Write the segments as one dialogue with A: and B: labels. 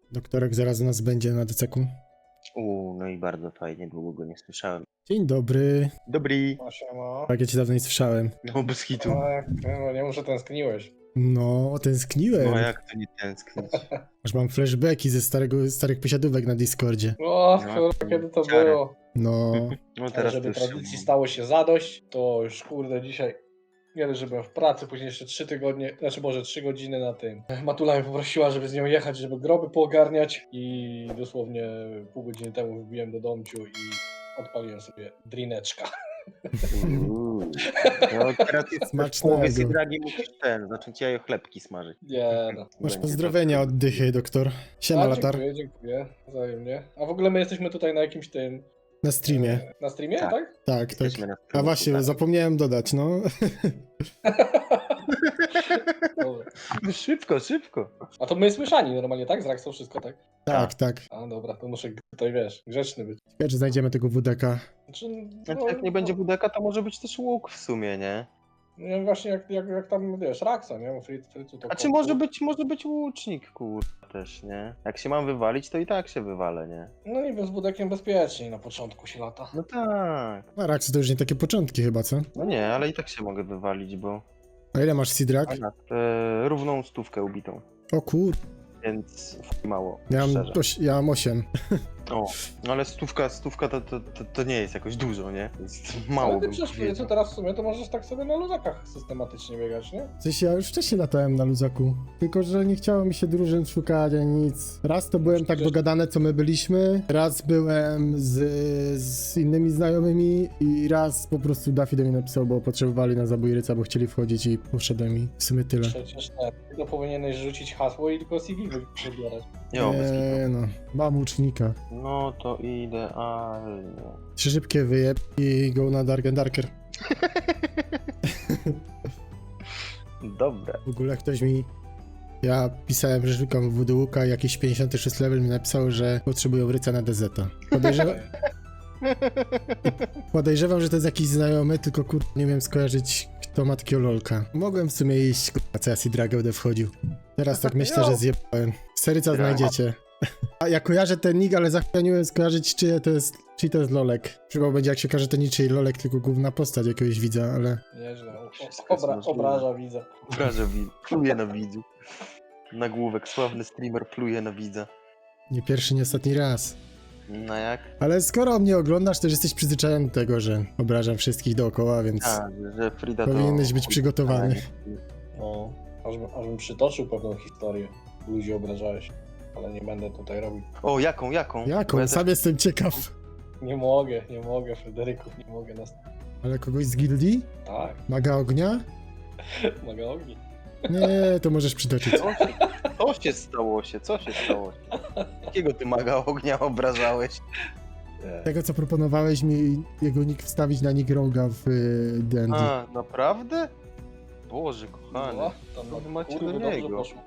A: Doktorek zaraz u nas będzie na DCK-u.
B: No i bardzo fajnie, długo go nie słyszałem.
A: Dzień dobry.
B: Dobry.
C: Siema.
A: Tak, ja cię dawno nie słyszałem.
B: No bez hitu.
C: No, nie muszę tęskniłeś.
A: No, tęskniłem.
B: No a jak to nie tęsknić?
A: Aż mam flashbacki ze starych posiadówek na Discordzie.
C: O,
B: No,
C: kurwa, kiedy to
B: ciary.
C: było.
A: No,
B: No
C: Ale
B: teraz
C: żeby
B: to już
C: tradycji stało się zadość, to już kurde dzisiaj nie dość, że byłem w pracy, później jeszcze 3 tygodnie, znaczy może 3 godziny na tym. Matula mnie poprosiła, żeby z nią jechać, żeby groby poogarniać i dosłownie pół godziny temu wbiłem do domciu i odpaliłem sobie drineczka.
B: No teraz jest w
A: Smacznego.
B: połowie sydragi, musisz zacząć jajo chlebki smażyć.
C: Nie no.
A: masz
B: Będzie
A: pozdrowienia od Dychy, doktor. Siema, latar.
C: Dziękuję, wzajemnie. A w ogóle my jesteśmy tutaj na jakimś tym...
A: Na streamie.
C: Na streamie,
B: Tak.
C: tak?
A: Tak, tak.
B: Jesteśmy na
A: A
B: stronę,
A: właśnie,
B: tak.
A: zapomniałem dodać, no.
C: Dobra.
B: Szybko, szybko.
C: A to my słyszani normalnie, tak? Z Raxą wszystko, tak?
A: Tak, tak.
C: A dobra, to muszę tutaj, wiesz, grzeczny być.
A: Ciekawe, czy znajdziemy tego WDK.
C: Znaczy,
B: Znaczy jak nie będzie budeka, to może być też łuk w sumie, nie?
C: No właśnie jak tam, wiesz, Raxa, nie? Bo Fricu to...
B: A czy może być łucznik, kurwa, też, nie? Jak się mam wywalić, to i tak się wywalę, nie?
C: No i z wudekiem bezpieczniej na początku się lata.
B: No tak.
A: A Raxy to już nie takie początki chyba, co?
B: No nie, ale i tak się mogę wywalić, bo...
A: A ile masz Sidrak?
B: Równą 100 ubitą.
A: O kur...
B: Więc mało,
A: Ja mam 8.
B: O, ale 100 to nie jest jakoś dużo, nie? Jest mało,
C: Ale ty
B: bym
C: przecież
B: powiedział.
C: teraz w sumie to możesz tak sobie na luzakach systematycznie biegać, nie?
A: W sensie ja już wcześniej latałem na luzaku, tylko że nie chciało mi się drużyn szukać ani nic. Raz to byłem tak dogadane, co my byliśmy, raz byłem z innymi znajomymi i raz po prostu Daffy do mnie napisał, bo potrzebowali na zabój ryca, bo chcieli wchodzić i poszedłem i w sumie tyle.
C: Przecież nie. Tylko powinieneś rzucić hasło i tylko CV wybierać.
B: Jo, bez kitu.
A: no, mam łucznika.
B: No to idealnie.
A: 3 szybkie wyjeb i go na Dark and Darker.
B: Dobre.
A: W ogóle ktoś mi... Ja pisałem, że szukam Voodoo Łuka, jakiś 56 level mi napisał, że potrzebują ryca na DZ. Podejrzewam, że to jest jakiś znajomy, tylko nie wiem skojarzyć, kto ma takiego lolka. Mogłem w sumie iść, co ja Sidraga będę wchodził. Teraz tak myślę, że zjebałem. Seryca znajdziecie. A ja kojarzę ten nick, ale zachwianiłem skojarzyć, czy to jest lolek. Chyba będzie, jak się okaże, to niczyj lolek, tylko główna postać jakiegoś widza, ale...
C: Nieźle.
B: Wszystko jest możliwe.
C: Obraża widza.
B: Obraża widz. Pluje na widzu. Nagłówek. Sławny streamer pluje na widza.
A: Nie pierwszy, nie ostatni raz.
B: No jak?
A: Ale skoro mnie oglądasz, to już jesteś przyzwyczajony do tego, że obrażam wszystkich dookoła, więc
B: A, że Frida to...
A: powinieneś być przygotowany.
C: No, ażbym przytoczył pewną historię. Ludzi obrażałeś. Ale nie będę tutaj robił.
B: O, jaką? Bo
A: Jaką?
B: ja
A: Sam jestem ciekaw.
C: Nie mogę, Fryderyków, nie mogę nas...
A: Ale kogoś z gildii?
C: Tak,
A: Maga ognia?
C: mogę ogni.
A: Nie, to możesz przytoczyć.
B: Co się stało? Jakiego ty maga ognia obrażałeś?
A: Tego, co proponowałeś mi jego nick wstawić na nick Roga w D&D.
B: A, naprawdę? Boże, kochany.
C: No, tam
B: Co wy macie
C: kurwa,
B: do
C: dobrze
B: niego?
C: poszło.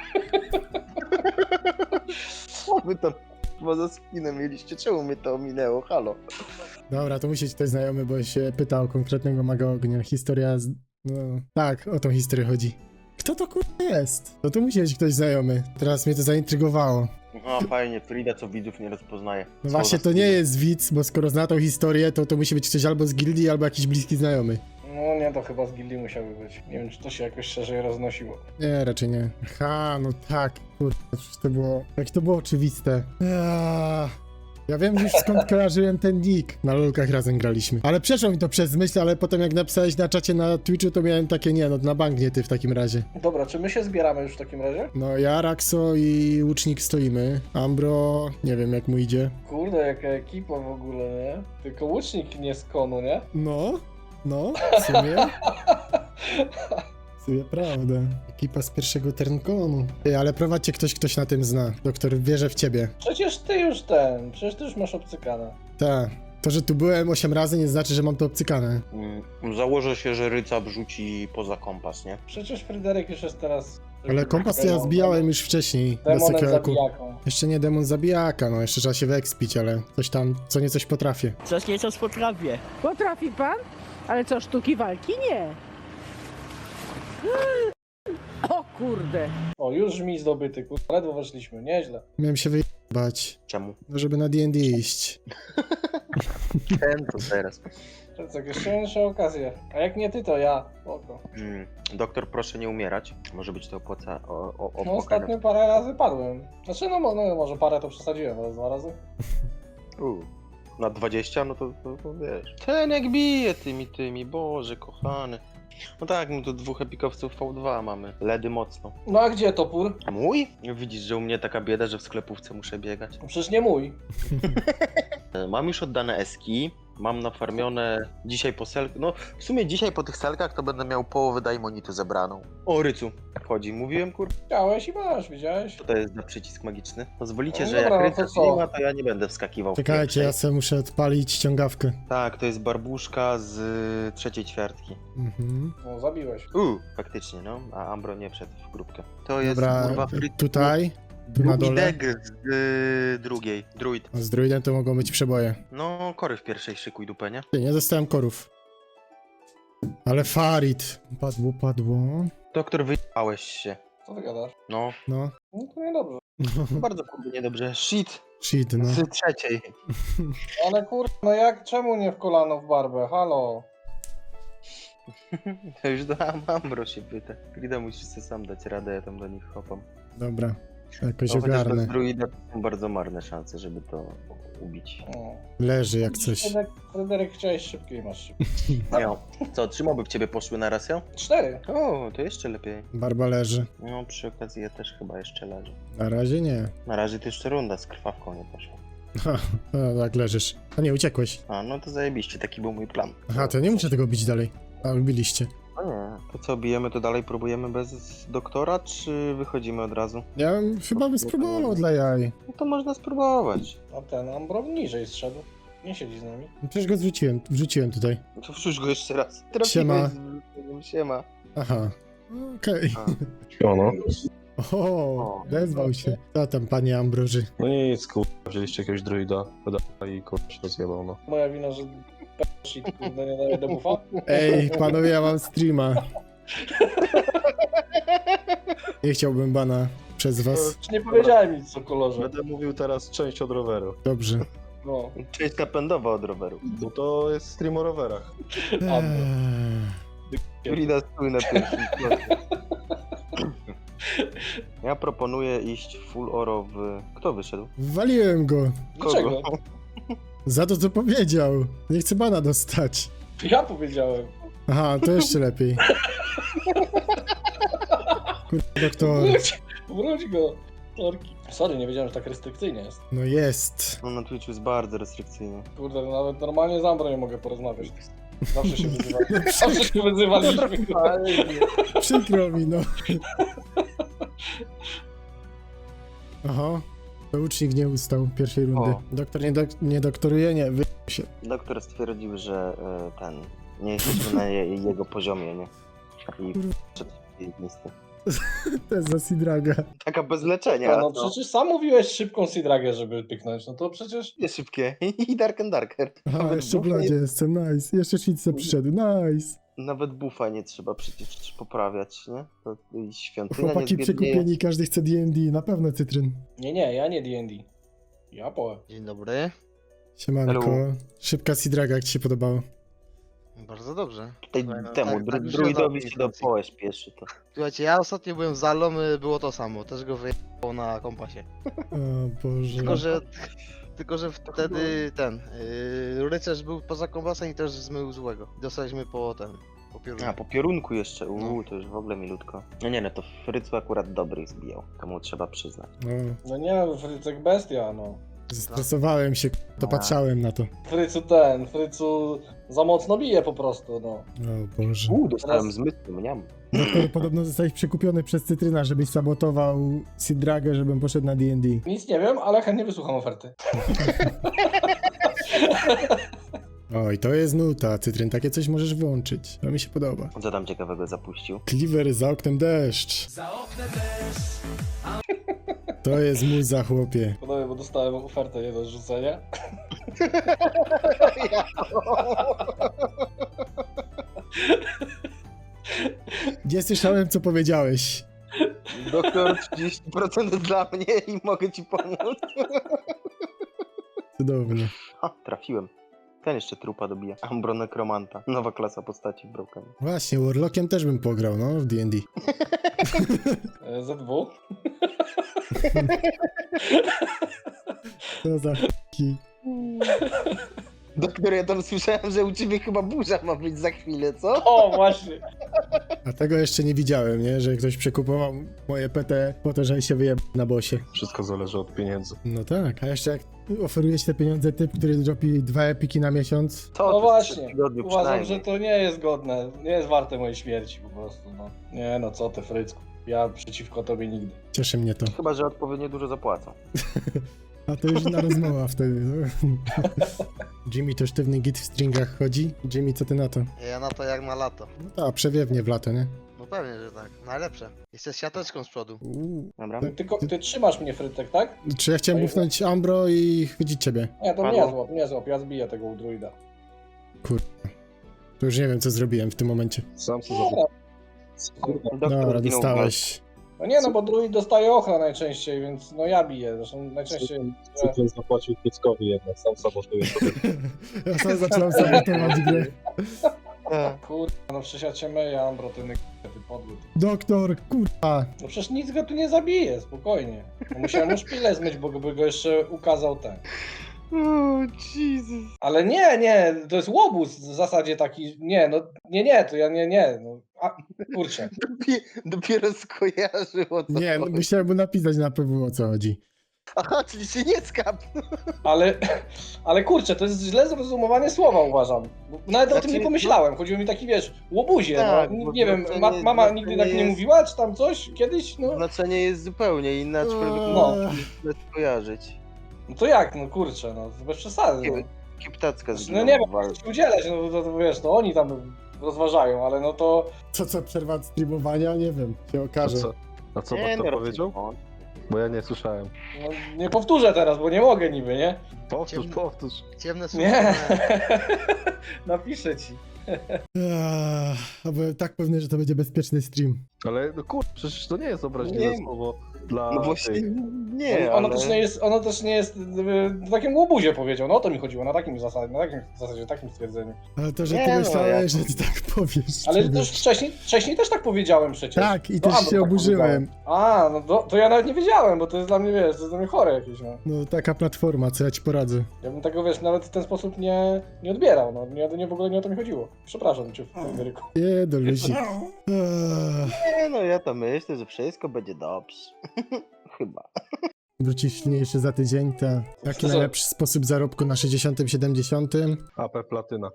B: Co wy tam za spinę mieliście? Czemu mnie to ominęło? Halo?
A: Dobra, to musi być ktoś znajomy, bo się pytał o konkretnego maga ognia. Historia z... No, tak, o tą historię chodzi. Kto to kurwa jest? To tu musi być ktoś znajomy. Teraz mnie to zaintrygowało.
B: Aha, fajnie, Frida co widzów nie rozpoznaje.
A: No
B: Co
A: właśnie,
B: za
A: to nie
B: spin.
A: jest widz, bo skoro zna tą historię, to musi być ktoś albo z gildii, albo jakiś bliski znajomy.
C: No nie, to chyba z gildii musiały być. Nie wiem, czy to się jakoś szerzej roznosiło.
A: Nie, raczej nie. Aha, no tak, kurwa, przecież to było... Jak to było oczywiste. Ja wiem już skąd kojarzyłem ten nick. Na lolkach razem graliśmy. Ale przeszło mi to przez myśl, ale potem jak napisałeś na czacie na Twitchu, to miałem takie, nie no, na bank nie ty w takim razie.
C: Dobra, czy my się zbieramy już w takim razie?
A: No ja, Raxo i Łucznik stoimy. Ambro, nie wiem jak mu idzie.
C: Kurde, jaka ekipa w ogóle, nie? Tylko łucznik nie z konu, nie?
A: No, w sumie. W sumie prawda. Ekipa z pierwszego Ternkonu. Ej, ale prowadźcie ktoś na tym zna. Doktor wierzę w ciebie.
C: Przecież ty już masz obcykane.
A: Tak. To, że tu byłem 8 razy nie znaczy, że mam to obcykane.
B: Założę się, że ryca wrzuci poza kompas, nie?
C: Przecież Fryderyk już jest teraz...
A: Ale kompas to ja zbijałem już wcześniej. na
C: Demonem
A: sekielku.
C: zabijaką.
A: Jeszcze nie demon zabijaka, no jeszcze trzeba się wyekspić, ale coś tam, co niecoś potrafię.
D: Coś nieco potrafię.
E: Potrafi pan? Ale co, sztuki walki? Nie. O
D: kurde.
C: O, już mi zdobyty, kurwa, ledwo weszliśmy, nieźle.
A: Miałem się wyjebać,
B: Czemu?
A: no żeby na D&D iść.
B: Ten to teraz.
C: To jest jakieś jeszcze okazje. A jak nie ty, to ja. Oko.
B: Doktor, proszę nie umierać. Może być to
C: No
B: opłacane.
C: ostatnio parę razy padłem. Znaczy, no może parę to przesadziłem, ale 2 razy.
B: Na 20, no to wiesz. Ten jak bije tymi, Boże kochany. No tak, my tu 2 epikowców V2 mamy. Ledy mocno.
C: No a gdzie topór?
B: A mój? Widzisz, że u mnie taka bieda, że w sklepówce muszę biegać.
C: Przecież nie mój.
B: Mam już oddane eski. Mam nafarmione dzisiaj po selkach. No w sumie dzisiaj po tych selkach to będę miał połowę daimonitu zebraną. O, Rycu wchodzi. Mówiłem, kur...
C: Chciałeś i masz, widziałeś?
B: Co to jest za przycisk magiczny? Pozwolicie,
C: No
B: że
C: dobra,
B: jak
C: no to
B: Ryca
C: co?
B: nie ma, to ja nie będę wskakiwał w
A: Czekajcie,
B: pierwszej.
A: ja sobie muszę odpalić ściągawkę.
B: Tak, to jest barbuszka z trzeciej ćwiartki.
A: Mhm.
C: No zabiłeś.
B: Faktycznie, no. A Ambro nie wszedł w grupkę. To jest,
A: Dobra,
B: kurwa,
A: tutaj, tu na
B: drugi
A: dole.
B: deg z drugiej. Druid.
A: Z druidem to mogą być przeboje.
B: No, kory w pierwszej szykuj dupę, nie?
A: Ty, nie dostałem korów. Ale Farid. Padło.
B: Doktor, wyjechałeś się.
C: Co ty gadasz?
B: No,
A: No.
C: No to niedobrze.
B: bardzo kurde niedobrze. Shit,
A: Shit, no.
B: z trzeciej.
C: Ale kurwa, no jak, czemu nie w kolano w barbę? Halo?
B: To już dam Ambro się pyta. Grida musisz sobie sam dać radę, ja tam do nich hopam.
A: Dobra. Jakoś
B: No, chociaż bez
A: ogarnę.
B: druida są bardzo marne szanse, żeby to ubić.
C: O.
A: Leży jak coś.
C: Fryderyk, chciałeś szybkiej, masz szybkiej.
B: No, co, 3 moby w ciebie poszły na raz, ja?
C: 4.
B: O, to jeszcze lepiej.
A: Barba leży.
B: No, przy okazji ja też chyba jeszcze leżę.
A: Na razie nie.
B: Na razie to jeszcze runda z krwawką nie poszła.
A: Ha, no, tak leżysz. A nie, uciekłeś.
B: A, no to zajebiście, taki był mój plan.
A: Aha, to nie muszę tego bić dalej. A, biliście.
B: No nie. To co, bijemy to dalej, próbujemy bez doktora, czy wychodzimy od razu?
A: Ja chyba bym spróbował dla jaj.
B: No to można spróbować.
C: A ten Ambro niżej zszedł. Nie siedzi z nami.
A: Przecież go wrzuciłem tutaj.
B: No to wrzuć go jeszcze raz.
A: Siema.
B: Siema.
A: Aha. Okej.
E: Ono.
A: O, odezwał się. Co tam, panie Ambroży?
E: No nic, kurwa, wzięliście jakiegoś druida, i kurwa się rozjebał, no.
C: Moja wina, że shit, kurde, nie daje debuffa.
A: Ej, panowie, ja mam streama. Nie chciałbym bana przez was.
C: Czy nie powiedziałem nic o kolorze.
E: Będę mówił teraz część od roweru,
A: Dobrze.
C: No.
B: Część napędowa od roweru.
E: bo to jest stream o rowerach.
B: Grida stój na pierwszym kroku. Ja proponuję iść full oro w... Kto wyszedł?
A: Waliłem go.
C: Dlaczego?
A: Za to, co powiedział. Nie chcę bana dostać.
C: Ja powiedziałem.
A: Aha, to jeszcze lepiej. Kurwa, doktor.
C: Wróć go. Torki. Sorry, nie wiedziałem, że tak restrykcyjnie jest.
A: No jest.
B: No na Twitchu jest bardzo restrykcyjny.
C: Kurde, nawet normalnie z Ambro nie mogę porozmawiać. Zawsze się wyzywaliśmy. Zawsze się wyzywaliśmy.
A: Przykro mi, no. Aha. To ucznik nie ustał pierwszej rundy.
B: O.
A: Doktor nie doktoruje? Nie, się.
B: Doktor stwierdził, że nie jesteśmy na jego poziomie, nie? I przed listy.
A: To jest za Sidraga.
B: Taka bez leczenia.
C: No przecież sam mówiłeś szybką Sidragę, żeby pyknąć. No to przecież...
B: Nie szybkie. I Dark and Darker.
A: Aha,
B: Nawet
A: jeszcze w
B: buffa
A: lodzie jestem, nice. Jeszcze Shitsa przyszedł, nice.
B: Nawet buffa nie trzeba przecież poprawiać, nie? To i świątynia
A: Chłopaki
B: nie zbiednieje.
A: przekupieni, każdy chce D&D, na pewno cytryn.
C: Nie, ja nie D&D. Ja połem.
F: Dzień dobry.
A: Siemanko.
B: Hello.
A: Szybka Sidraga, jak ci się podobało?
F: Bardzo dobrze.
B: Tej,
F: Słuchaj, no,
B: temu
F: tak już
B: druidowi
F: nie
B: się do
F: znam
B: połę śpieszy to.
F: Słuchajcie, ja ostatnio byłem z Zalą, było to samo. Też go wyjechało na kompasie.
A: O Boże.
F: Tylko, że wtedy ten rycerz był poza kompasem i też zmył złego. Dostaliśmy po piorunie.
B: A, po piorunku jeszcze.
F: No.
B: To już w ogóle milutko. No nie, no to Frycu akurat dobry zbijał. To mu trzeba przyznać.
A: No,
C: No nie, Frycek bestia, no.
A: zestresowałem się, to patrzałem na to.
C: Frycu za mocno bije po prostu, no.
A: O Boże.
B: Dostałem
C: Teraz-
B: zmysł, mniam.
A: Doktor, podobno zostałeś przekupiony przez Cytryna, żebyś sabotował Sidragę, żebym poszedł na D&D.
C: Nic nie wiem, ale chętnie wysłucham oferty.
A: Oj, to jest nuta, Cytryn, takie coś możesz włączyć. To mi się podoba.
B: Co tam ciekawego zapuścił?
A: Cleaver, za oknem deszcz. To jest muza, chłopie.
C: Podobnie, bo dostałem ofertę nie do zrzucenia.
A: Nie słyszałem, co powiedziałeś.
B: Doktor 30% dla mnie i mogę ci pomóc.
A: Cudownie.
B: A, trafiłem. Ten jeszcze trupa dobija. Ambro Nekromanta. Nowa klasa postaci w Broken.
A: Właśnie, Warlockiem też bym pograł, no, w D&D.
C: ZW?
A: Co za f***ki.
B: Doktor, ja tam słyszałem, że u ciebie chyba burza ma być za chwilę, co?
C: O, właśnie.
A: A tego jeszcze nie widziałem, nie? Że ktoś przekupował moje PT po to, żeby się wyjebał na bosie.
E: Wszystko zależy od pieniędzy.
A: No tak, a jeszcze jak oferuje ci te pieniądze typ, który dropi 2 epiki na miesiąc.
B: To
C: No
B: to jest 3
C: właśnie.
B: tygodnie
C: Uważam,
B: przynajmniej.
C: że to nie jest godne. Nie jest warte mojej śmierci po prostu, no. Nie no, co ty, Frycku. Ja przeciwko tobie nigdy.
A: Cieszy mnie to.
B: Chyba, że odpowiednio dużo zapłacą.
A: A to już inna rozmowa wtedy. No. Jimmy to sztywny git w stringach chodzi. Jimmy, co ty na to?
F: Ja na to jak na lato.
A: No tak, przewiewnie w lato, nie?
F: No pewnie, że tak. Najlepsze. Jeszcze z siateczką z przodu.
B: Dobra.
C: Tylko ty trzymasz mnie, Frytek, tak?
A: Czy ja chciałem bufnąć Ambro i chwycić ciebie?
C: Nie, to
B: Padło.
C: nie złap, ja zbiję tego u druida.
A: To już nie wiem, co zrobiłem w tym momencie.
E: Sam sobie
B: Doktor
A: Dobra,
B: zginął w
A: dostałeś.
C: No nie, no bo druid dostaje ochronę najczęściej, więc no ja biję. Zresztą najczęściej...
E: Cyklon zapłacił Pieskowi jednak, sam sabotuje sobie.
A: Ja sam zaczynam sabotować grę.
C: Kurwa, no przecież ja cię myję, Ambro, ty podły.
A: Doktor, kurwa.
C: No przecież nic go tu nie zabije, spokojnie. No musiałem już szpilę zmyć, bo by go jeszcze ukazał ten.
B: Jesus.
C: Ale nie, to jest łobuz w zasadzie taki, to ja nie, no, kurczę.
B: Dopiero skojarzył o co
A: Nie, no,
B: chodzi.
A: musiałem mu napisać na pewno, o co chodzi.
B: Aha, czyli się nie skap.
C: Ale kurczę, to jest źle zrozumowanie słowa, uważam. Bo nawet o tym
B: Znaczy,
C: nie pomyślałem, chodziło mi taki, wiesz, łobuzie,
B: Tak,
C: no,
B: bo
C: nie wiem,
B: znaczenie-
C: mama
B: znaczenie
C: nigdy tak nie
B: jest-
C: mówiła, czy tam coś, kiedyś, no.
B: Znaczenie jest zupełnie inne, aczkolwiek
C: No.
B: no. skojarzyć.
C: No to jak, no kurczę, no, to bez przesady, no.
B: Kiptacka
C: No
B: zginęła
C: nie
B: w
C: wiem,
B: walce.
C: czy udzielać, no to wiesz, to oni tam rozważają, ale no to...
A: Co, przerwa od streamowania? Nie wiem, się okaże.
E: A co
B: Nie,
E: Doktor
B: no,
E: powiedział?
B: no.
E: Bo ja nie słyszałem.
C: No, nie powtórzę teraz, bo nie mogę niby, nie?
E: Powtórz.
F: Ciemne
C: Nie.
F: słowa.
C: Napiszę ci.
A: A byłem tak pewny, że to będzie bezpieczny stream.
E: Ale no kur... przecież to nie jest obraźliwe
B: Nie.
E: słowo dla
B: No właśnie
E: tych.
B: nie,
C: Ono
B: ale...
C: też nie jest w takim łobuzie powiedział, no o to mi chodziło, na takim zasadzie, takim stwierdzeniu.
A: Ale to, że
B: Nie
A: ty
B: no,
A: myślałeś,
B: ja-
A: że ty tak powiesz.
C: Ale
A: to
C: też wcześniej też tak powiedziałem przecież.
A: Tak, i
C: To
A: też
C: Ambro
A: się
C: tak
A: oburzyłem.
C: A, no to ja nawet nie wiedziałem, bo to jest dla mnie, wiesz, to jest dla mnie chore jakieś, no.
A: No taka platforma, co ja ci poradzę.
C: Ja bym tego, wiesz, nawet w ten sposób nie odbierał, no. W ogóle nie o to mi chodziło. Przepraszam cię, Fryderyku.
A: Nie, do ludzi.
B: Nie, no ja to myślę, że wszystko będzie dobrze. Chyba.
A: Wrócisz silniejszy za tydzień, to jaki
C: Co?
A: najlepszy sposób zarobku na 60, 70?
E: AP Platyna.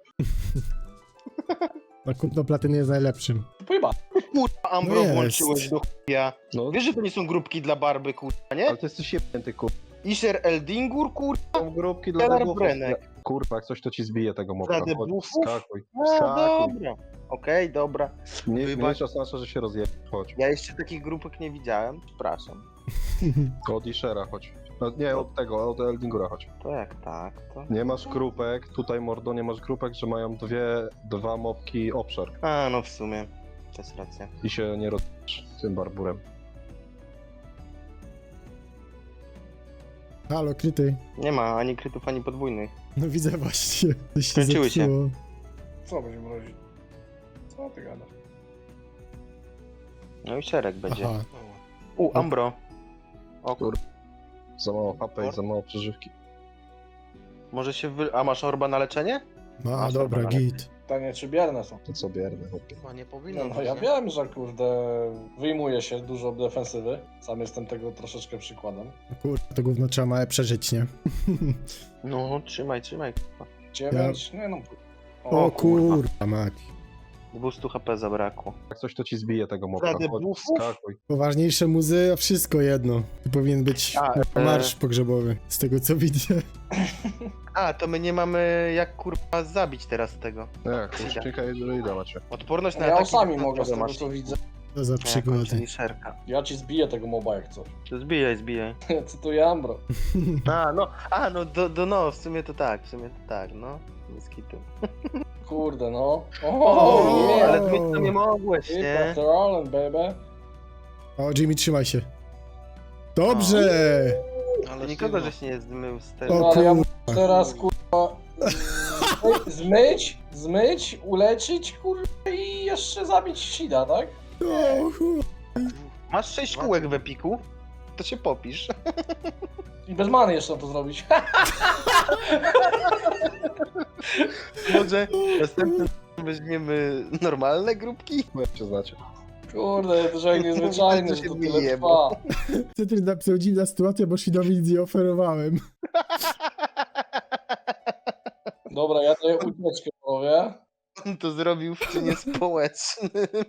A: No kupno platyny jest najlepszym.
C: Pojeba.
B: Kurwa, Ambro
A: No jest.
B: włączyłeś do chuja.
E: No,
B: Wiesz, że to nie są grupki dla Barby, kurwa, nie?
E: ale ty jesteś jebnięty, kur...
B: Isher Eldingur, kurwa.
E: Są grupki dla
B: Keller
E: debuffów.
B: Brenek.
E: Kurwa, jak coś to ci zbije tego mobka.
B: Dla
E: Chodź,
B: debuffów?
E: wskakuj.
B: No
E: Wskakuj.
B: dobra. Okej, dobra.
E: Nie,
B: Wybacz.
E: mniejsza szansa, że się rozjebie. Chodź.
B: Ja jeszcze takich grupek nie widziałem. Przepraszam.
E: Od Ishera chodź. No, nie, od tego, od Eldingura chodź.
B: To jak tak, to...
E: Nie masz grupek, tutaj mordo, nie masz grupek, że mają dwa mobki obszar.
B: A, no w sumie. To jest racja.
E: I się nie rozbisz tym barburem.
A: Halo, kryty.
B: Nie ma ani krytów, ani podwójnych.
A: No widzę właśnie. Coś się
B: Skończyły się.
A: zepsuło.
C: Co będzie mrozić? Co ty gadasz?
B: No i szereg będzie.
A: Aha.
B: Ambro. O kur...
E: Za mało HP i za mało przeżywki.
B: Może się wy... A masz orba na leczenie?
A: No,
B: Masz
A: dobra,
B: dobra, ale-
A: git.
C: Pytanie, czy bierne są?
E: To co bierne, chłopie.
F: Chyba nie powinno
C: No
F: być,
C: ja
F: nie?
C: wiem, że kurde, wyjmuje się dużo defensywy. Sam jestem tego troszeczkę przykładem.
A: Kurwa, to gówno trzeba małe przeżyć, nie?
B: No, trzymaj, kurwa.
C: 9, nie no.
A: O kurwa mać.
B: 200 HP zabrakło.
E: Jak coś to ci zbije tego mobka.
B: Dla
E: Chodź,
B: debuffów?
E: wskakuj.
A: Poważniejsze muzy, a wszystko jedno. To powinien być marsz pogrzebowy, z tego co widzę.
B: A, to my nie mamy jak kurwa zabić teraz tego.
E: Nie, kurcznika i druida macie.
B: Odporność na
C: Ja
B: ataki
C: sami mogę z tego
B: masz.
C: co widzę.
A: To za przygody.
B: Czyli szerka.
C: Ja ci zbiję tego moba jak coś.
B: To zbijaj.
C: Cytuję Ambro.
B: No, w sumie to tak, no. Bez kitu.
C: Kurde no.
B: O,
C: nie,
B: ale ty to nie mogłeś,
C: Hit
B: nie?
C: after all and baby.
A: O, Jimmy, trzymaj się. Dobrze!
F: Ale
B: Nikogo
F: sztywno.
B: żeś nie zmył z
A: O
B: tego.
C: No, ale ja
A: kur...
C: muszę teraz kurwa zmyć, uleczyć kurwa i jeszcze zabić Shida, tak?
A: O, kur...
B: Masz 6 kółek w Epiku? To się popisz.
C: I bez many jeszcze to zrobić.
B: Może następnym weźmiemy normalne grupki?
E: Jak się znacie.
C: Kurde, to że niezwyczajny,
B: To
C: że
B: się
C: to tyle
B: wyjebał.
C: trwa.
A: Cytryn napisał dziwna sytuacja, bo Shidowi nic nie oferowałem.
C: Dobra, ja daję ucieczkę, panowie.
B: On to zrobił w czynie społecznym.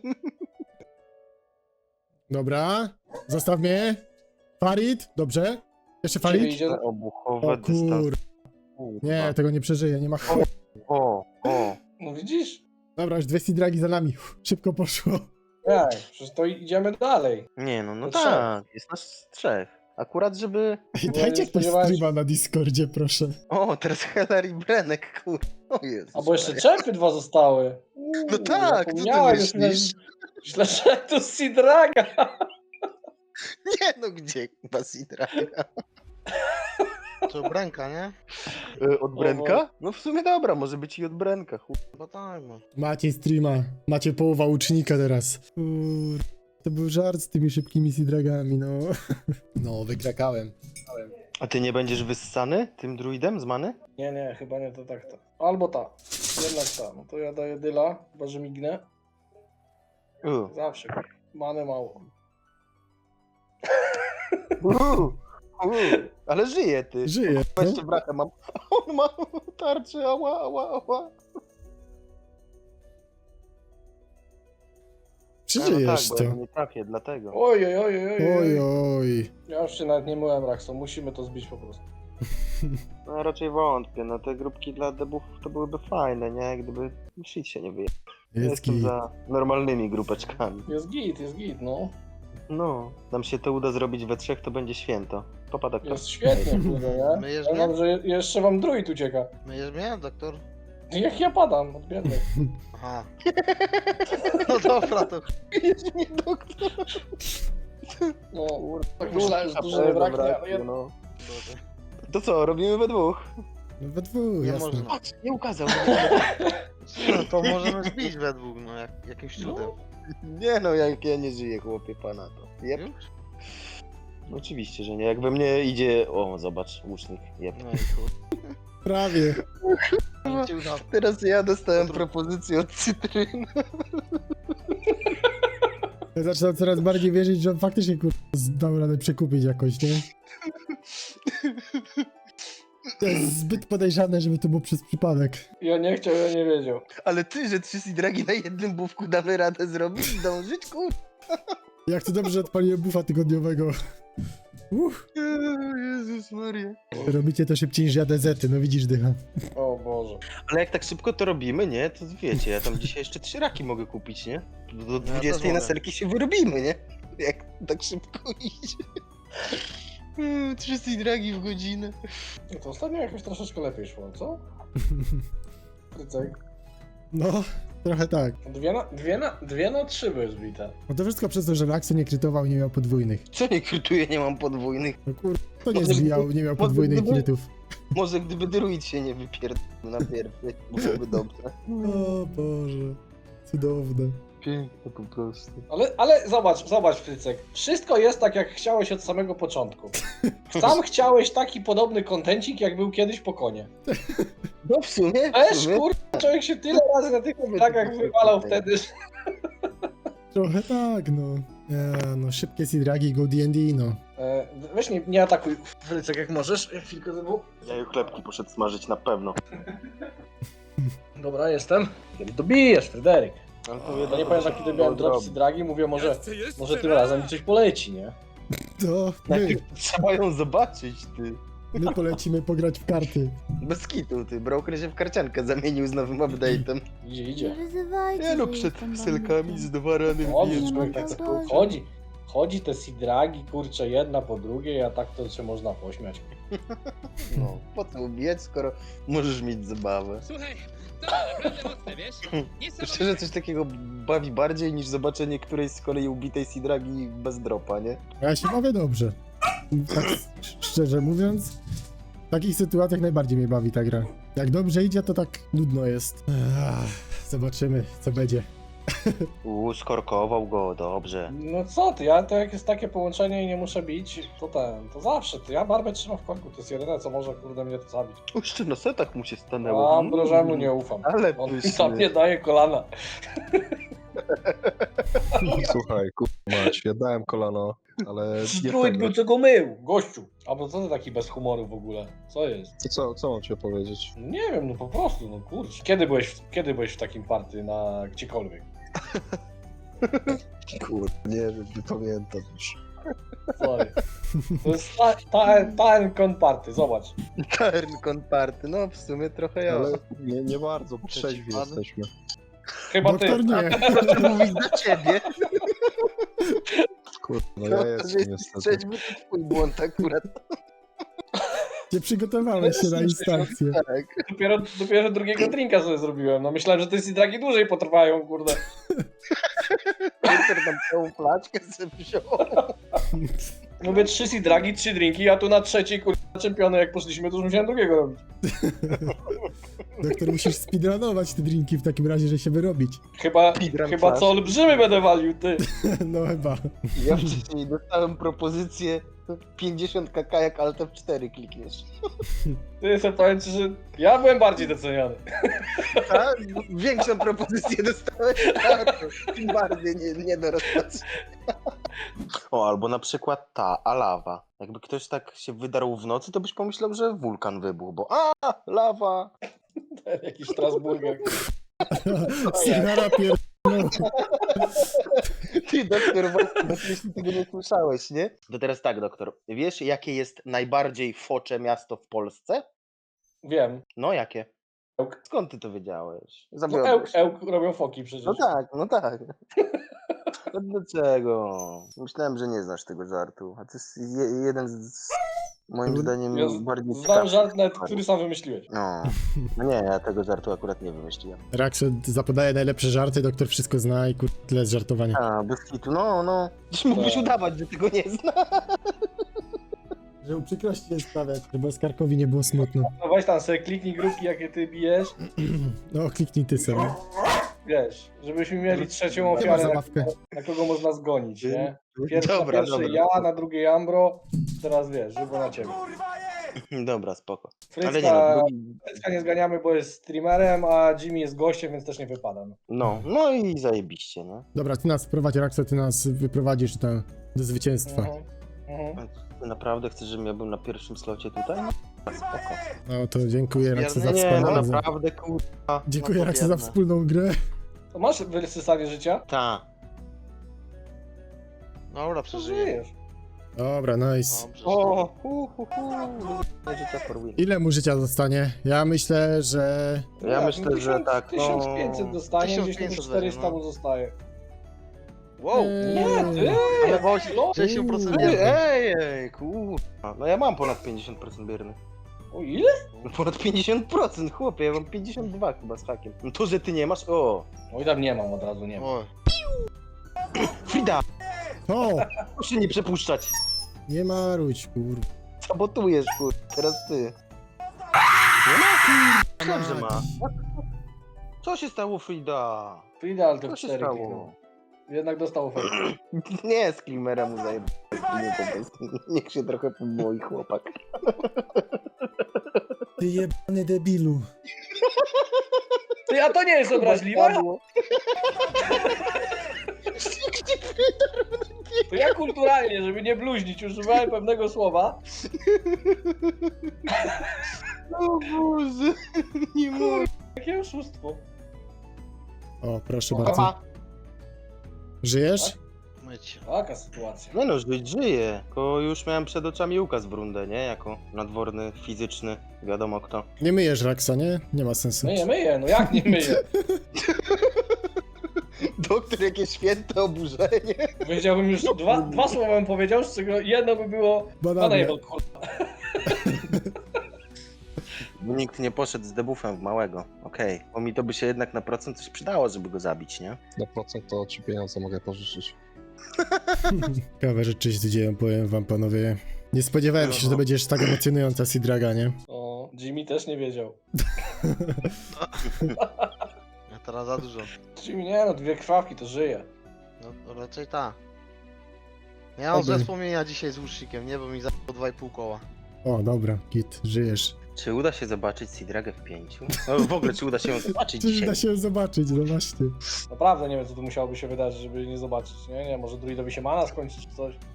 A: Dobra, zostaw mnie. Farid, dobrze. Jeszcze
C: Ciebie
A: Farid?
C: idzie...
B: Obuchowe
A: O kur...
B: Kurwa.
A: Nie, tego nie przeżyję, nie ma ch...
B: O.
C: No widzisz?
A: Dobra, już 2 dragi za nami. Szybko poszło.
C: Jak? Przecież to idziemy dalej.
B: Nie no
C: To
B: tak, jest nas 3. Akurat żeby...
A: Ej,
C: nie
A: dajcie ktoś
C: spodziewałem się.
A: streama na Discordzie, proszę.
B: O, teraz Heller i Brenek, kurwa. O Jezus
C: Albo jeszcze
B: Maria.
C: czempy 2 zostały.
B: No tak, co ty
C: zapomniałem, już
B: myślisz?
C: Myślę, że to Sidraga.
B: Nie no, gdzie Basidraga?
F: To Brenka, nie?
B: Od Brenka? No w sumie dobra, może być i od Brenka.
F: Chyba tak, no.
A: Macie streama. Macie połowa łucznika teraz. Kur... To był żart z tymi szybkimi Sidragami, no. No, wykrakałem.
B: A ty nie będziesz wyssany tym druidem z many?
C: Nie, chyba nie to tak to. Albo ta. Jednak ta. No to ja daję dyla, chyba że mignę. Zawsze. Many mało.
B: Ale żyje ty.
A: Żyje. No.
B: Jeszcze brata mam. On ma tarczę, ała.
A: Przeżyjesz
B: no tak, bo ja
A: to.
B: go nie trafię, dlatego.
C: Oj.
A: Oj, oj.
C: Ja już się nawet nie myłem, Raxo. Musimy to zbić po prostu.
B: No raczej wątpię, no te grupki dla debów to byłyby fajne, nie? Gdyby shit się nie wyjechał.
A: Jest
B: Jestem
A: git.
B: za normalnymi grupeczkami.
C: Jest git, no.
B: No, nam się to uda zrobić we 3, to będzie święto. Popada kto?
C: Jest świetnie, kurde, nie?
F: Myjesz
C: Ja
F: mnie?
C: mam, że jeszcze wam druid ucieka.
F: Myjesz mnie, doktor?
C: Jak ja padam od biednych.
F: Aha. No dobra, to
B: Jest nie doktor.
C: No, tak myślałem, że dużo nie braknie, ale ja...
B: no. To co, robimy we 2?
A: No we dwóch,
F: nie
A: jasne.
F: można.
B: Patrz, nie ukazał.
F: No to możemy zbić we dwóch, no jakimś cudem.
B: Nie no, jak ja nie żyję, chłopie pana to. Jep.
F: Już?
B: Oczywiście, że nie. Jak we mnie idzie... O, zobacz, łucznik. Jep.
F: No i chuj.
A: Prawie.
F: Nie ci udało.
B: Teraz ja dostałem propozycję od Cytryny.
A: Ja zaczynam coraz bardziej wierzyć, że on faktycznie dał radę przekupić jakoś, nie? To jest zbyt podejrzane, żeby to było przez przypadek.
C: Ja nie chciał, ja nie wiedział.
B: Ale ty, że 3 sidragi na jednym bufku damy radę zrobić i dążyć, kur...
A: Jak to dobrze, że odpaliłem bufa tygodniowego.
B: Jezus Maria.
A: Robicie to szybciej niż ja DZ-y, no widzisz dycha.
C: O Boże.
B: Ale jak tak szybko to robimy, nie? To wiecie, ja tam dzisiaj jeszcze 3 raki mogę kupić, nie? Do
F: też
B: 20 na
F: mogę.
B: selki się wyrobimy, nie? Jak tak szybko idzie. 3 sidragi w godzinę.
C: No to ostatnio jakoś troszeczkę lepiej szło, co? Krycek.
A: No, trochę tak.
C: 2 na 3 były zbite.
A: No to wszystko przez to, że Laxo nie krytował, nie miał podwójnych.
B: Co nie krytuję, nie mam podwójnych.
A: No to nie zbijał, nie miał podwójnych krytów.
B: Może gdyby druid się nie wypierdolił na pierwszy, byłoby dobrze.
A: O Boże, cudowne.
B: Piękne po prostu.
C: Ale zobacz Frycek. Wszystko jest tak, jak chciałeś od samego początku. Sam chciałeś taki podobny kontencik, jak był kiedyś po konie.
B: No w sumie,
C: Też kurwa, człowiek się tyle razy na tych tak wywalał wtedy, że...
A: Trochę tak, no. No szybkie sidragi, go D&D, no.
C: Weź nie atakuj Frycek jak możesz. Chwilkę znowu.
B: Ja już chlebki poszedł smażyć na pewno.
C: Dobra, jestem. Kiedy dobijesz, Fryderyk?
B: Ale
C: To nie pamiętam, kiedy miałem drop dragi, mówię, może tym razem mi coś poleci, nie?
A: To
B: Najpierw trzeba ją zobaczyć, ty.
A: my polecimy pograć w karty.
B: Bez kitu, ty. Broker się w karciankę zamienił z nowym update'em.
C: Idzie.
B: Nie no, przed selkami z 2 rany
C: Dobrze,
B: wbijesz
C: człowiek tak
B: człowiek.
C: chodzi. chodzi te sidragi, kurczę, jedna po drugiej, a tak to się można pośmiać.
B: No, po co ubijać, skoro możesz mieć zabawę?
D: Słuchaj, to naprawdę mocne, wiesz?
B: Szczerze, coś takiego bawi bardziej niż zobaczenie którejś z kolei ubitej Sidragi bez dropa, nie?
A: Ja się bawię dobrze. Tak szczerze mówiąc, w takich sytuacjach najbardziej mnie bawi ta gra. Jak dobrze idzie, to tak nudno jest. Zobaczymy, co będzie.
B: Skorkował go, dobrze.
C: No co ty, ja to jak jest takie połączenie i nie muszę bić, to zawsze, to ja barbę trzymam w korku, to jest jedyne co może kurde mnie to zabić.
B: Jeszcze na setach mu się stanęło.
C: A Ambrożemu nie ufam.
B: Ale
C: On
B: pyszny.
C: tam nie daje kolana.
E: Słuchaj, mać, ja dałem kolano, ale nie
C: Strój
E: tego.
C: był, co go mył, gościu. A bo co ty taki bez humoru w ogóle? Co jest?
E: Co mam ci opowiedzieć?
C: Nie wiem, no po prostu, no kurczę. Kiedy byłeś w takim party na gdziekolwiek?
E: Kurde, nie wiem, nie pamiętam już.
C: Sorry. To jest Taenkon party, zobacz.
B: Tarnkon party, no w sumie trochę ja.
E: Ale nie bardzo, bo trzeźwi
F: Przeciwpady?
E: jesteśmy.
C: Chyba ty.
A: Doktor nie.
B: Proszę mówić za ciebie.
E: Kurde, no ja jestem niestety.
B: Trzeźwy to twój błąd akurat.
A: Nie przygotowałeś się na instancję.
B: Tak.
C: Dopiero drugiego drinka sobie zrobiłem. No myślałem, że te sidragi dłużej potrwają, kurde.
B: Peter tam całą flaczkę sobie wziął.
C: Mówię 3 sidragi, 3 drinki, a tu na trzeciej, kurde, czempiony jak poszliśmy, to już musiałem drugiego robić.
A: Doktor, musisz speedrunować te drinki w takim razie, że się wyrobić.
C: Chyba
B: Speedrun
C: co
B: flash.
C: olbrzymy będę walił, ty.
A: No chyba.
B: Ja wcześniej dostałem propozycję 50 kk jak Alt F4 klikniesz.
C: Ty sobie powiem ci, że ja byłem bardziej doceniany.
B: Tak? Większą propozycję dostałem, tak, tym bardziej nie do rozpatrzenia. O, albo na przykład ta, lawa. Jakby ktoś tak się wydarł w nocy, to byś pomyślał, że wulkan wybuchł, bo lawa.
C: Ten jakiś Strasburger.
A: Sygnara pierdolą.
B: Ty, doktor, właśnie, jeśli tego nie słyszałeś, nie? To teraz tak, doktor. Wiesz, jakie jest najbardziej focze miasto w Polsce?
C: Wiem.
B: No, jakie?
C: Ełk.
B: Skąd ty to wiedziałeś?
C: No,
B: Zawiodłeś się.
C: Ełk robią foki przecież.
B: No tak, no tak. No dlaczego? Myślałem, że nie znasz tego żartu. A to jest jeden z moim zdaniem
C: Ja
B: bardziej
C: znam
B: ciekawszych
C: żart, nawet,
B: żartów.
C: który sam wymyśliłeś.
B: No nie, ja tego żartu akurat nie wymyśliłem.
A: Rakszo zapodaje najlepsze żarty, doktor wszystko zna i tyle z żartowania.
B: A, bez hitu, no. Dziś mógłbyś
C: Tak.
B: udawać, że tego nie zna.
A: Że uprzykrości jest sprawiać, żeby Oskarkowi nie było smutno.
C: No weź tam sobie kliknij grupki, jakie ty bijesz.
A: No, kliknij ty sobie.
C: Wiesz, żebyśmy mieli trzecią
A: Chyba
C: ofiarę,
A: zabawkę.
C: na kogo można zgonić, nie? Pierwszy
B: Dobra.
C: ja, na drugiej Ambro, teraz wiesz, żeby na ciebie.
B: Dobra, spoko. Ale nie no,
C: Frycka,
B: drugi...
C: Frycka nie zganiamy, bo jest streamerem, a Jimmy jest gościem, więc też nie wypada.
B: No i zajebiście, nie?
A: Dobra, ty nas wprowadź, Rakszo, ty nas wyprowadzisz do zwycięstwa.
C: Mhm.
B: Ty naprawdę chcesz, żebym ja był na pierwszym slocie tutaj? No, spoko.
A: No to dziękuję, Rakszo, za
B: Nie, no
A: wspólną
B: naprawdę, kurwa.
A: Dziękuję,
B: no,
A: Rakszo, za
B: biedne.
A: wspólną grę.
C: To masz wysysanie życia?
B: Ta.
F: Dobra,
C: To
F: przeżyję.
C: żyjesz.
A: Dobra, nice.
F: Dobrze.
B: Życia for win.
A: Ile mu życia zostanie? Ja myślę, że...
B: Ja myślę, że tak, no.
C: 1500 dostanie, gdzieś tam
F: 1500
C: 400
F: będzie, no.
C: mu zostaje.
F: Wow!
C: Nie, ty!
F: Ale właśnie
C: No.
F: 60%
B: Ej,
F: bierny.
B: ej, kurwa. No ja mam ponad 50% bierny.
C: O ile?
B: No ponad 50%, chłopie, ja mam 52 chyba z hakiem. No to, że ty nie masz, o.
C: Oj, tam nie mam, od razu nie mam.
F: Oj.
B: Frida,
A: O!
B: proszę nie przepuszczać.
A: Nie maruć, kur...
B: Sabotujesz, kurwa, teraz ty. Nie ma? Myślałem, że ma. Co się stało, Frida?
C: Frida, ale
B: Co
C: to
B: się
C: 4
B: stało?
C: kliknął. Jednak dostał ofertę.
B: Nie, z Klimera mu zajebał. Po prostu. Niech się trochę poboi, chłopak.
A: Ty jebany debilu.
C: Ty, a to nie jest obraźliwe? To ja kulturalnie, żeby nie bluźnić, używałem pewnego słowa.
B: O Boże, nie mogę.
C: Jakie oszustwo.
A: O, proszę bardzo. Żyjesz?
F: Myć.
C: Taka sytuacja.
B: Nie no, żyję. Tylko już miałem przed oczami Łukasz Brundę, nie? Jako nadworny, fizyczny, wiadomo kto.
A: Nie myjesz Raksa, nie? Nie ma sensu.
C: Myję, no jak nie myję?
B: doktor, jakie święte oburzenie.
C: Powiedziałbym już dwa słowa bym powiedział, z czego jedno by było
A: Banany.
C: Unable, kurwa.
B: Nikt nie poszedł z debuffem w małego. Okej. Bo mi to by się jednak na procent coś przydało, żeby go zabić, nie?
E: Na procent to ci pieniądze mogę pożyczyć.
A: Ciekawe rzeczy się dzieją, powiem wam panowie. Nie spodziewałem się, że to będzie aż tak emocjonująca Sidraga, nie?
C: O, Jimmy też nie wiedział.
F: Ja teraz za dużo.
C: Jimmy nie no, 2 krwawki to żyje.
F: No to raczej ta. Ja mam złe
A: Oby.
F: wspomnienia dzisiaj z łucznikiem, nie? Bo mi zajęło 2,5 koła.
A: O, dobra, git, żyjesz.
B: Czy uda się zobaczyć Sidragę w 5? No w ogóle, czy uda się ją zobaczyć
A: Czy
B: dzisiaj?
A: da się zobaczyć, no właśnie.
C: Naprawdę nie wiem, co tu musiałoby się wydarzyć, żeby nie zobaczyć. Nie, może druidowi się mana skończyć czy coś.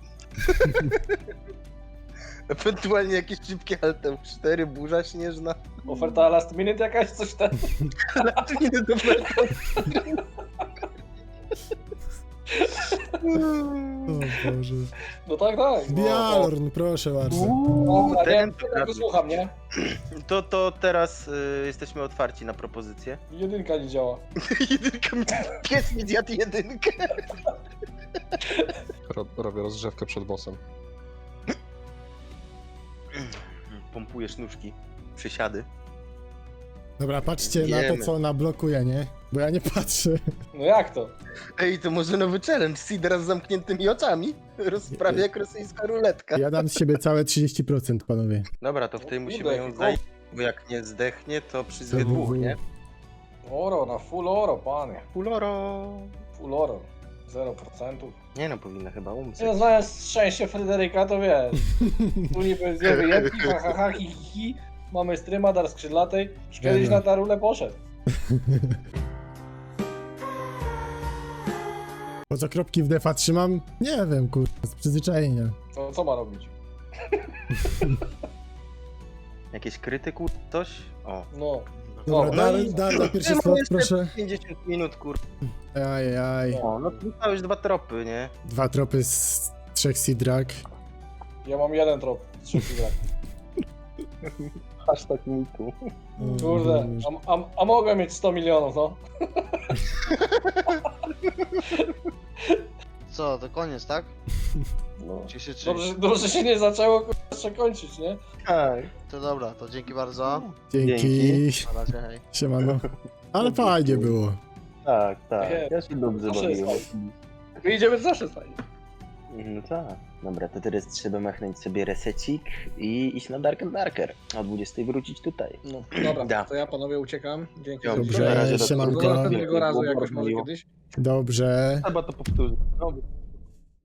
B: Ewentualnie jakieś szybkie Altem 4, burza śnieżna.
C: Oferta last minute jakaś, coś tam.
B: Ale tu nie do
A: O Boże.
C: No tak.
A: Bialorn, proszę bardzo.
C: Dobra,
B: ten
C: nie,
B: to
C: ja go słucham, nie?
B: To teraz jesteśmy otwarci na propozycję.
C: Jedynka nie działa.
B: Jedynka, pies mi zjadł jedynkę.
E: Robię rozgrzewkę przed bossem.
B: Pompujesz nóżki, przysiady.
A: Dobra, patrzcie na
B: Wiemy.
A: to, co ona blokuje, nie? Bo ja nie patrzę.
C: No jak to?
B: Ej, to może nowy challenge, Sidra z zamkniętymi oczami. Rozprawia jak rosyjska ruletka.
A: Ja dam z siebie całe 30%, panowie.
B: Dobra, to w tej
C: O
B: musimy
C: kurde,
B: ją
C: jaki
B: zajść, bo jak nie zdechnie, to przyzwie dwóch, nie?
C: Oro, na full oro, panie.
B: Puloro.
C: Full oro. 0%.
B: Nie no, powinna chyba umrzeć.
C: Nie, znając szczęście Fryderyka, to wiesz. Tu niby zjemy jedki, ha ha ha, hi hi hi. Mamy stryma, dar skrzydlatej. Już kiedyś
A: Nie no.
C: na ta rulę poszedł.
A: Po co kropki w defa trzymam? Nie wiem, kurwa, z przyzwyczajenia.
C: To co ma robić?
B: Jakieś krytyku, coś? O.
C: No.
A: Dobra,
C: no
A: dar na pierwszy
B: No,
A: slot,
B: jeszcze
A: proszę.
B: 50 minut, kur...
A: Ajajaj.
B: O, no to dostałeś 2 tropy, nie?
A: 2 tropy z 3 Sidrag.
C: Ja mam jeden trop. 3 gra.
B: Aż tak mitu.
C: Kurde. A mogłem mieć 100 milionów, no.
F: Co, to koniec, tak?
C: No.
F: Czy się czy...
C: Dobrze się nie zaczęło kurwa, jeszcze kończyć, nie?
B: Tak.
F: To dobra, to dzięki bardzo.
A: Dzięki.
F: Na razie, hej.
A: Siemano. Ale fajnie było.
B: Tak, tak.
C: Nie,
B: Ja się dobrze
C: zawsze jest
B: bawiłem.
C: Wyjdziemy zawsze fajnie.
B: No tak. Dobra, to teraz trzeba machnąć sobie resecik i iść na Dark and Darker. A o 20 wrócić tutaj.
C: No, dobra,
B: Da.
C: to ja panowie uciekam. Dzięki za
A: Dobrze,
C: uwagę.
A: siemanko.
C: Do następnego razu jakoś może kiedyś.
A: Dobrze.
B: Trzeba to powtórzyć. No,